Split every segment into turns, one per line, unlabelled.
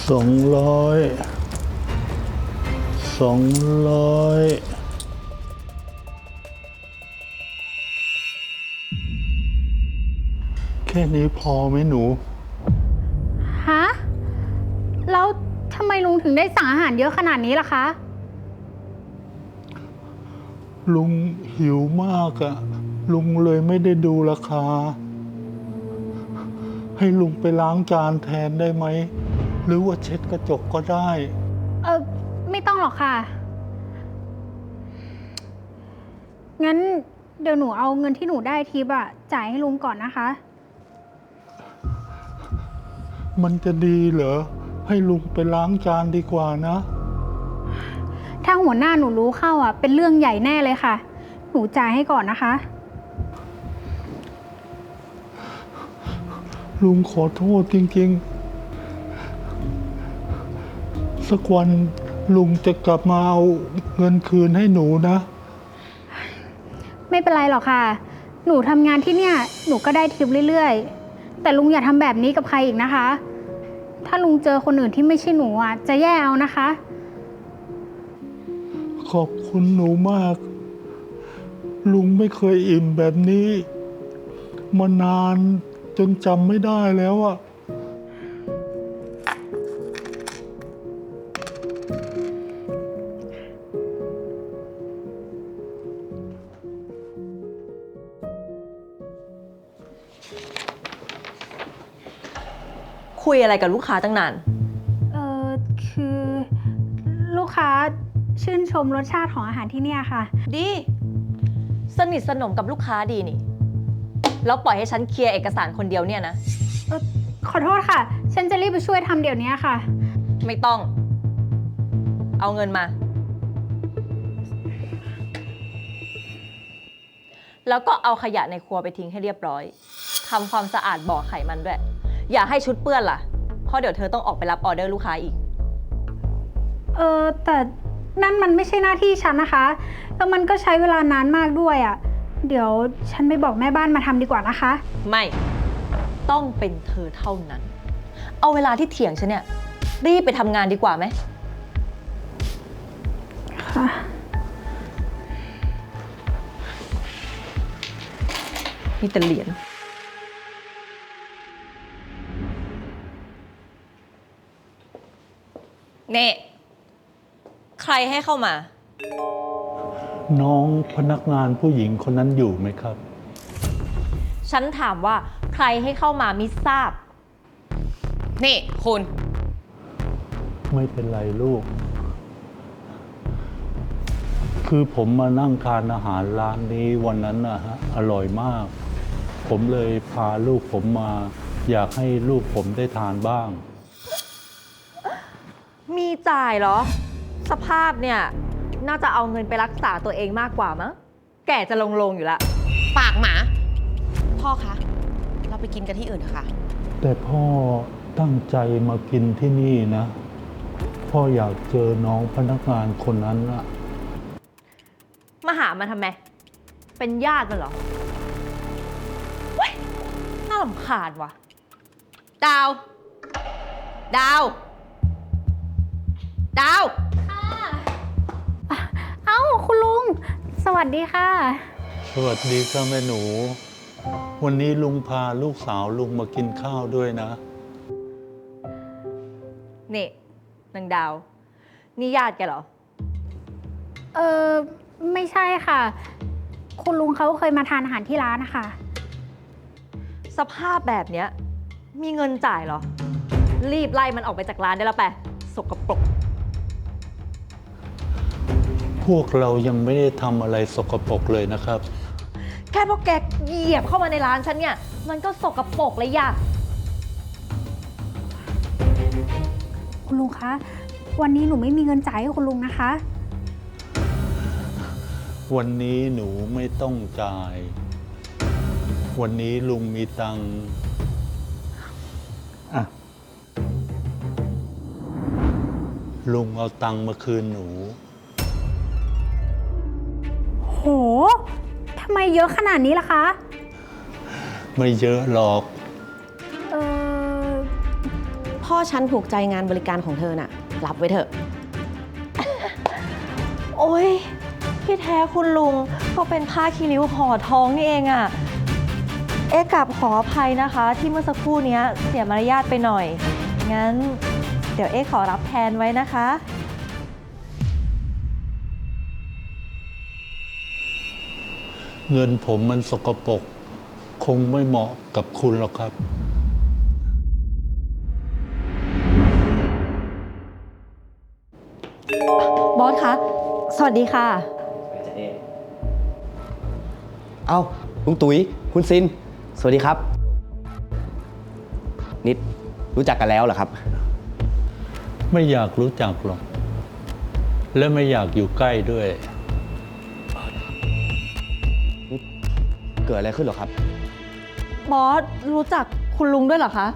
200 แค่นี้พอไหมหนู
ฮะ แล้วทำไมลุงถึงได้สั่งอาหารเยอะขนาดนี้ล่ะคะ
ลุงหิวมากอะลุงเลยไม่ได้ดูราคา ให้ลุงไปล้างจานแทนได้ไหม หรือว่าเช็ดกระจกก็ได้
ไม่ต้องหรอกค่ะ งั้นเดี๋ยวหนูเอาเงินที่หนูได้ทิปอะจ่ายให้ลุงก่อนนะคะ
มันจะดีเหรอ ให้ลุงไปล้างจานดีกว่านะ
ถ้าหัวหน้าหนูรู้เข้าอะเป็นเรื่องใหญ่แน่เลยค่ะ หนูจ่ายให้ก่อนนะคะ
ลุงขอโทษจริงๆ สักวันลุงจะกลับมาเอาเงินคืนให้หนูนะ
ไม่เป็นไรหรอกค่ะ หนูทำงานที่เนี่ย หนูก็ได้ทิปเรื่อยๆ แต่ลุงอย่าทำแบบนี้กับใครอีกนะคะ ถ้าลุงเจอคนอื่นที่ไม่ใช่หนูอะจะแย่เอานะคะ
ขอบคุณหนูมาก ลุงไม่เคยอิ่มแบบนี้ มานานจนจำไม่ได้แล้วอะ
คุยอะไรกับลูกค้าตั้งนาน
คือลูกค้าชื่นชมรสชาติของอาหารที่เนี่ยค่ะ
ดี สนิทสนมกับลูกค้าดีนี่ แล้วปล่อยให้ฉันเคลียร์เอกสารคนเดียวเนี่ยนะ
ขอโทษค่ะ ฉันจะรีบไปช่วยทำเดี๋ยวนี้ค่ะ
ไม่ต้อง เอาเงินมา แล้วก็เอาขยะในครัวไปทิ้งให้เรียบร้อย ทำความสะอาดบ่อไขมันด้วย อย่าให้ชุดเปื้อนล่ะ เพราะเดี๋ยวเธอต้องออกไปรับออเดอร์ลูกค้าอีก
แต่นั่นมันไม่ใช่หน้าที่ฉันนะคะ แล้วมันก็ใช้เวลานานมากด้วยอะ่ะ เดี๋ยวฉันไปบอกแม่บ้านมาทำดีกว่านะคะ
ไม่ ต้องเป็นเธอเท่านั้น เอาเวลาที่เถียงฉันเนี่ย รีบไปทำงานดีกว่าไหม
ค่ะ
มีแต่เหรียญ เน่ ใครให้เข้ามา
น้องพนักงานผู้หญิงคนนั้นอยู่ไหมครับ
ฉันถามว่าใครให้เข้ามามิทราบ นี่คุณ
ไม่เป็นไรลูก คือผมมานั่งทานอาหารร้านนี้วันนั้นนะฮะ อร่อยมาก ผมเลยพาลูกผมมา อยากให้ลูกผมได้ทานบ้าง
มีจ่ายเหรอ สภาพเนี่ย น่าจะเอาเงินไปรักษาตัวเองมากกว่ามั้ง แก่จะลงอยู่แล้ว
ปากหมา พ่อคะ เราไปกินกันที่อื่นเถอะค่ะ
แต่พ่อตั้งใจมากินที่นี่นะ พ่ออยากเจอน้องพนักงานคนนั้นอะ
มาหามันทำไม เป็นญาติมันเหรอ เว้ย น่ารำคาญว่ะ ดาว ดาว ดาว
เอ้าคุณลุง สวัสดีค่ะ
สวัสดีค่ะแม่หนู วันนี้ลุงพาลูกสาวลุงมากินข้าวด้วยนะ
นี่นางดาว นี่ญาติแกเหรอ
ไม่ใช่ค่ะ คุณลุงเขาเคยมาทานอาหารที่ร้านนะคะ
สภาพแบบเนี้ย มีเงินจ่ายเหรอ รีบไล่มันออกไปจากร้านได้แล้วไปสกปรก
พวกเรายังไม่ได้ทำอะไรสกปรกเลยนะครับ
แค่พวกแกเหยียบเข้ามาในร้านฉันเนี่ย มันก็สกปรกเลยอย่า
คุณลุงคะ วันนี้หนูไม่มีเงินจ่ายให้คุณลุงนะคะ
วันนี้หนูไม่ต้องจ่าย วันนี้ลุงมีตังค์อ่ะลุงเอาตังค์มาคืนหนู
โห ทำไมเยอะขนาดนี้ล่ะคะ
ไม่เยอะหรอก
พ
พ่อฉันถูกใจงานบริการของเธอน่ะ รับไว้เถอะ
โอ๊ยที่แท้คุณลุงก็เป็นผ้าคีริ้วห่อทองนี่เองอะเอ๊ะกลับขออภัยนะคะ ที่เมื่อสักครู่เนี้ยเสียมารยาทไปหน่อย งั้น เดี๋ยวเอ๊ะขอรับแทนไว้นะคะ
เงินผมมันสกปรกคงไม่เหมาะกับคุณหรอกครับ
บอสคะ สวัสดีค่ะ
เอ้าลุงตุ๋ยคุณซิน สวัสดีครับ นิดรู้จักกันแล้วเหรอครับ
ไม่อยากรู้จักหรอก และไม่อยากอยู่ใกล้ด้วย
เกิดอะไรขึ้นเหรอครับ
บอสรู้จักคุณลุงด้วยเหรอคะ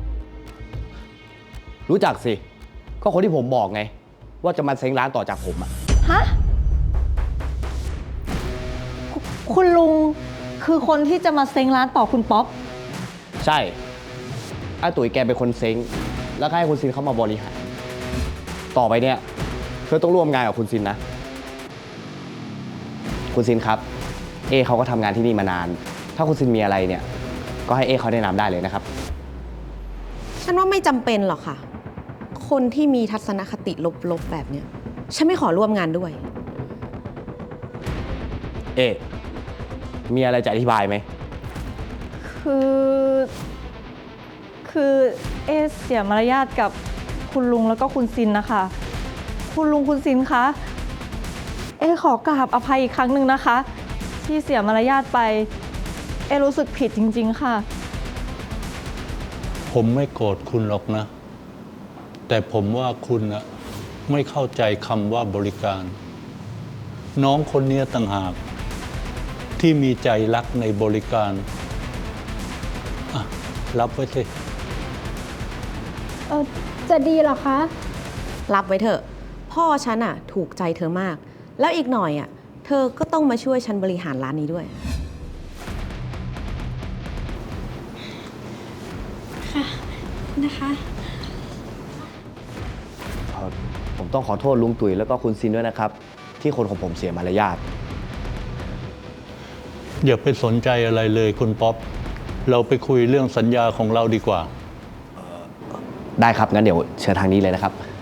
รู้จักสิ ก็คนที่ผมบอกไง ว่าจะมาเซ้งร้านต่อจากผมอะ
ฮะ คุณลุงคือคนที่จะมาเซ้งร้านต่อคุณป๊อป
ใช่อาตุ๋ยแกเป็นคนเซ้งแล้วก็ให้คุณซินเข้ามาบริหาร ต่อไปเนี่ยเธอต้องร่วมงานกับคุณซินนะ คุณซินครับ เอเขาก็ทำงานที่นี่มานาน ถ้าคุณซินมีอะไรเนี่ย ก็ให้เอเขาแนะนำได้เลยนะครับ
ฉันว่าไม่จำเป็นหรอกค่ะ คนที่มีทัศนคติลบๆแบบเนี้ยฉันไม่ขอร่วมงานด้วย
เอมีอะไรจะอธิบายไหม
คือเอะเสียมารยาทกับคุณลุงแล้วก็คุณซินนะคะ คุณลุงคุณซินคะ เอะขอกราบอภัยอีกครั้งหนึ่งนะคะ ที่เสียมารยาทไป เอะรู้สึกผิดจริงๆค่ะ
ผมไม่โกรธคุณหรอกนะ แต่ผมว่าคุณนะไม่เข้าใจคำว่าบริการ น้องคนนี้ต่างหาก ที่มีใจรักในบริการอ่ะรับไว้สิ
จะดีเหรอคะ
รับไว้เถอะ พ่อฉันอะถูกใจเธอมาก แล้วอีกหน่อยอะเธอก็ต้องมาช่วยฉันบริหารร้านนี้ด้วย
นะคะ
ผมต้องขอโทษลุงตุ๋ยแล้วก็คุณซินด้วยนะครับ ที่คนของผมเสียมารยาท
อย่าไปสนใจอะไรเลยคุณป๊อป เราไปคุยเรื่องสัญญาของเราดีกว่า
ได้ครับ งั้นเดี๋ยวเชิญทางนี้เลยนะครับ